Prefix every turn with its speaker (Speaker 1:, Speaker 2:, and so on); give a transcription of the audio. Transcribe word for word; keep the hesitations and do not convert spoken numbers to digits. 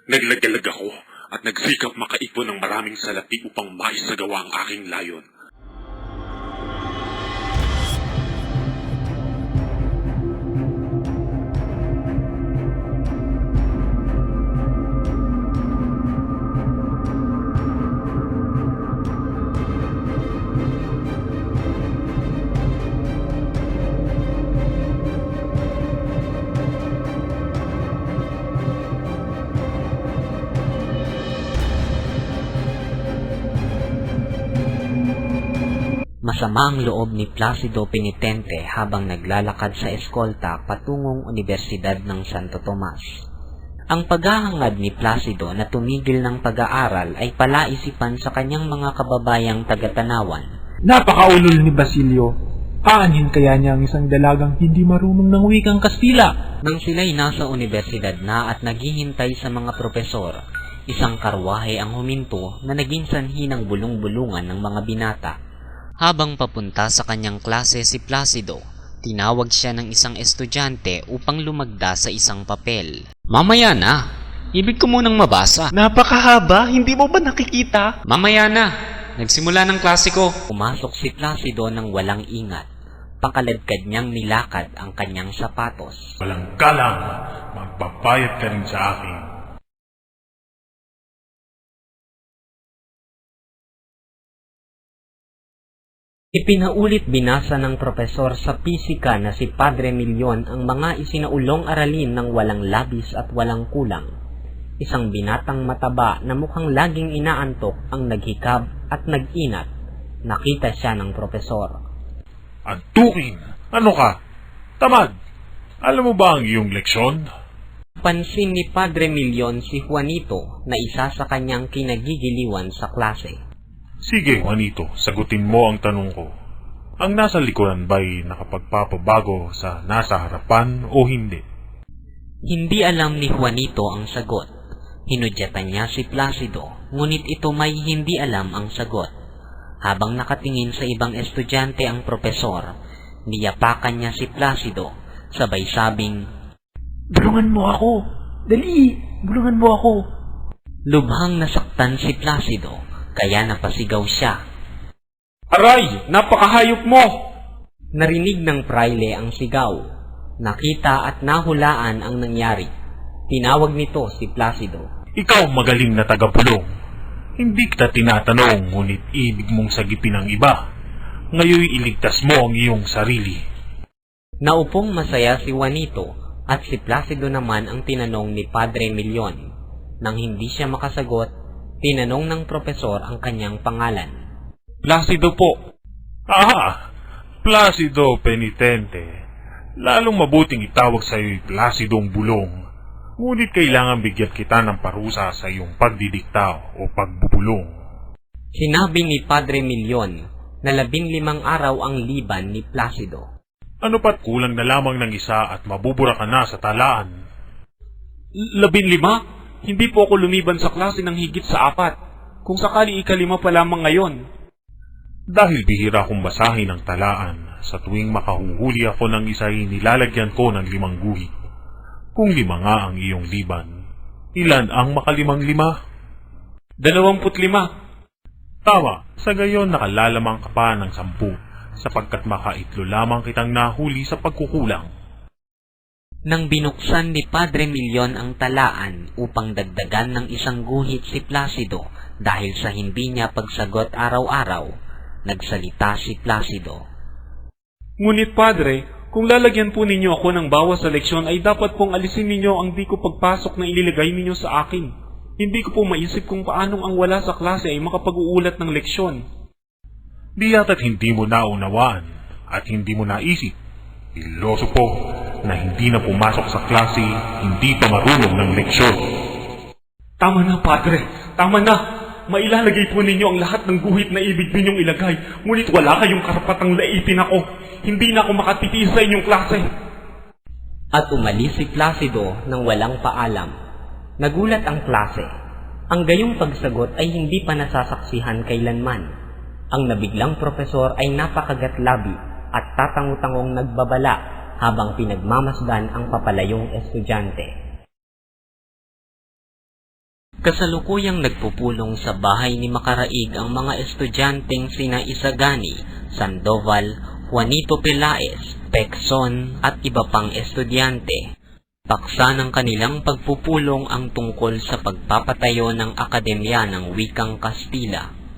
Speaker 1: Naglagalag ako at nagsikap makaipon ng maraming salapi upang maisagawa ang aking layon.
Speaker 2: Masama ang loob ni Placido Penitente habang naglalakad sa eskolta patungong Universidad ng Santo Tomas. Ang paghahangad ni Placido na tumigil ng pag-aaral ay palaisipan sa kanyang mga kababayang taga-Tanawan.
Speaker 3: Napakaulol ni Basilio. Aanhin kaya niya ang isang dalagang hindi marunong ng wikang Kastila?
Speaker 2: Nang sila'y nasa universidad na at naghihintay sa mga propesor, isang karwahe ang huminto na naging sanhi ng bulong-bulungan ng mga binata. Habang papunta sa kanyang klase si Placido, tinawag siya ng isang estudyante upang lumagda sa isang papel. Mamaya na! Ibig ko munang mabasa.
Speaker 3: Napakahaba, hindi mo ba nakikita?
Speaker 2: Mamaya na! Nagsimula ng klase ko. Pumasok si Placido ng walang ingat. Pakaladkad niyang nilakad ang kanyang sapatos.
Speaker 1: Walang galang, magbabayad ka rin sa akin.
Speaker 2: Ipinaulit binasa ng propesor sa pisika na si Padre Milyon ang mga isinaulong aralin ng walang labis at walang kulang. Isang binatang mataba na mukhang laging inaantok ang naghikab at nag-inat. Nakita siya ng propesor.
Speaker 1: Antukin! Ano ka? Tamad! Alam mo ba ang iyong leksyon?
Speaker 2: Pansin ni Padre Milyon si Juanito na isa sa kanyang kinagigiliwan sa klase.
Speaker 1: Sige, Juanito, sagutin mo ang tanong ko. Ang nasa likuran ba'y nakapagpapabago sa nasa harapan o hindi?
Speaker 2: Hindi alam ni Juanito ang sagot. Hinudyatan niya si Placido, ngunit ito may hindi alam ang sagot. Habang nakatingin sa ibang estudyante ang propesor, niyapakan niya si Placido, sabay sabing,
Speaker 3: Bulungan mo ako! Dali! Bulungan mo ako!
Speaker 2: Lubhang nasaktan si Placido, kaya napasigaw siya.
Speaker 1: Aray! Napakahayop mo!
Speaker 2: Narinig ng praile ang sigaw. Nakita at nahulaan ang nangyari. Tinawag nito si Placido.
Speaker 1: Ikaw magaling na tagapulong. Hindi kita tinatanong, ngunit ibig mong sagipin ang iba. Ngayon iligtas mo ang iyong sarili.
Speaker 2: Naupong masaya si Juanito at si Placido naman ang tinanong ni Padre Milyon. Nang hindi siya makasagot, tinanong ng propesor ang kanyang pangalan.
Speaker 1: Placido po. Ah, Placido Penitente. Lalong mabuting itawag sa iyo'y Placidong Bulong. Ngunit kailangan bigyan kita ng parusa sa iyong pagdidikta o pagbubulong.
Speaker 2: Sinabi ni Padre Milyon na labing limang araw ang liban ni Placido.
Speaker 1: Ano pat kulang na lamang ng isa at mabubura ka na sa talaan? Labing lima? Hindi po ako lumiban sa klase ng higit sa apat. Kung sakali ikalima pa lamang ngayon. Dahil bihira kong basahin ang talaan, sa tuwing makahuhuli ako ng isa ay nilalagyan ko ng limang guhit. Kung lima nga ang iyong liban, ilan ang makalimang lima? Dalawamput lima. Tama, sa gayon nakalalamang ka pa ng sampu, sapagkat makaitlo lamang kitang nahuli sa pagkukulang.
Speaker 2: Nang binuksan ni Padre Milyon ang talaan upang dagdagan ng isang guhit si Placido dahil sa hindi niya pagsagot araw-araw, nagsalita si Placido.
Speaker 4: Ngunit Padre, kung lalagyan po ninyo ako ng bawas sa leksyon ay dapat pong alisin ninyo ang di ko pagpasok na ililagay ninyo sa akin. Hindi ko po maisip kung paanong ang wala sa klase ay makapag-uulat ng leksyon.
Speaker 1: Di yata't hindi mo naunawaan at hindi mo naisip. Iloso po na hindi na pumasok sa klase, hindi pa marunong ng leksyon.
Speaker 4: Tama na, Padre. Tama na. Mailalagay po ninyo ang lahat ng guhit na ibig ninyong ilagay. Ngunit wala kayong karapatang laipin ako. Hindi na ako makatitiis sa inyong klase.
Speaker 2: At umalis si Placido nang walang paalam. Nagulat ang klase. Ang gayong pagsagot ay hindi pa nasasaksihan kailanman. Ang nabiglang propesor ay napakagatlabi at tatangutangong nagbabala habang pinagmamasdan ang papalayong estudyante. Kasalukuyang nagpupulong sa bahay ni Makaraig ang mga estudyanteng sina Isagani, Sandoval, Juanito Pelaez, Pecson at iba pang estudyante. Paksa ng kanilang pagpupulong ang tungkol sa pagpapatayo ng Akademya ng Wikang Kastila.